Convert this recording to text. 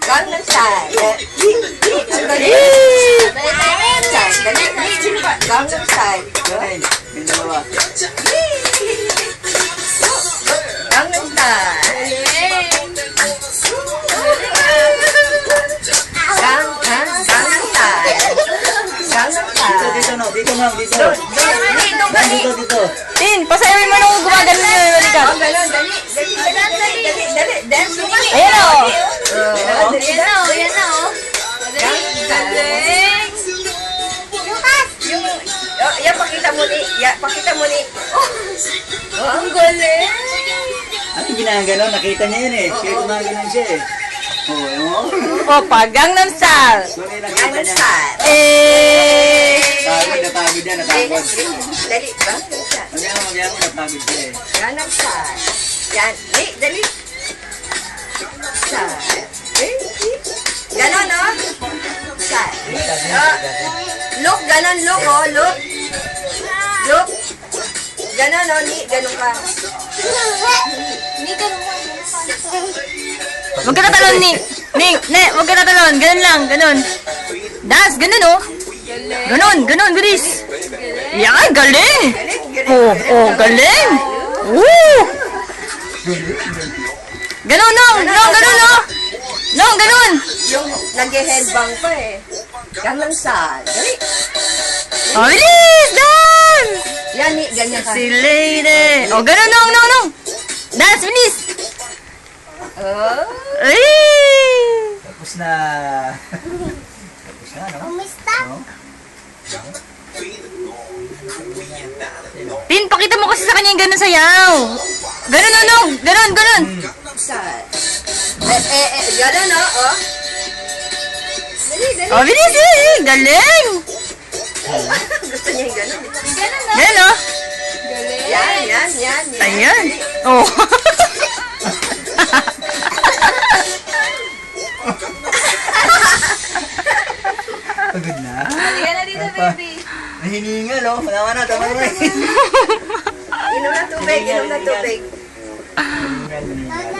Gangnam Style. Dali. Gangnam Style. Galing. Yung dalawa. Gangnam Style. Gangnam Style. Gangnam Style. Dito, no. Dito, ma'am. Dito. Dito, Ma'am, dito, dito. Tin, pasayamin mo nung gumagano na yung balikat. Oh, ganun. Dali. Dance mo. Ayan o. Yan na, oh. Galing. Yan, pakita mo ni. Pakita mo ni. Oh, ang galing. Ano ginaganon? Nakita niya yun eh. Kaya gumaganon siya eh. Oo. Opa, Gangnam Style. So, may nakita Gangnam niya. Style. Napagod yan, napagod. Dali, Gangnam Style. Magyamo, napagod siya eh. Gangnam Style. Yan. Dali. Style. Ganon, no? Style. Look, ganon, look, oh, look. Look. Ganon, no? Ganon ka. Huwag ka tatalon ni. Huwag ka tatalon. Ganun lang, ganun. Dance, ganun oh. Ganun, bilis. Yan, galing. Oh, galing. Woo! Ganun, ganun oh. Ganun. Yung nag-headbang pa eh. Gangnam Style. Dali. Oh, bilis, dance. Yan, ganyan ka. Si lady. Oh, ganun, no. Dance, bilis. Oh. Ay! Tapos na. Tapos na, no? No? Tin, pakita mo kasi sa kanya yung ganun sayaw. Ganun. Style. Ganon, no? Oh. Dali. Oh, bilis eh. Galing. Gusto niya yung ganon. Ganun oh. Yan. Ayan. Oh. Pagod na. Halika na dito, baby. Nahiningal, oh. Tama na. Inom na tubig. Hiningal.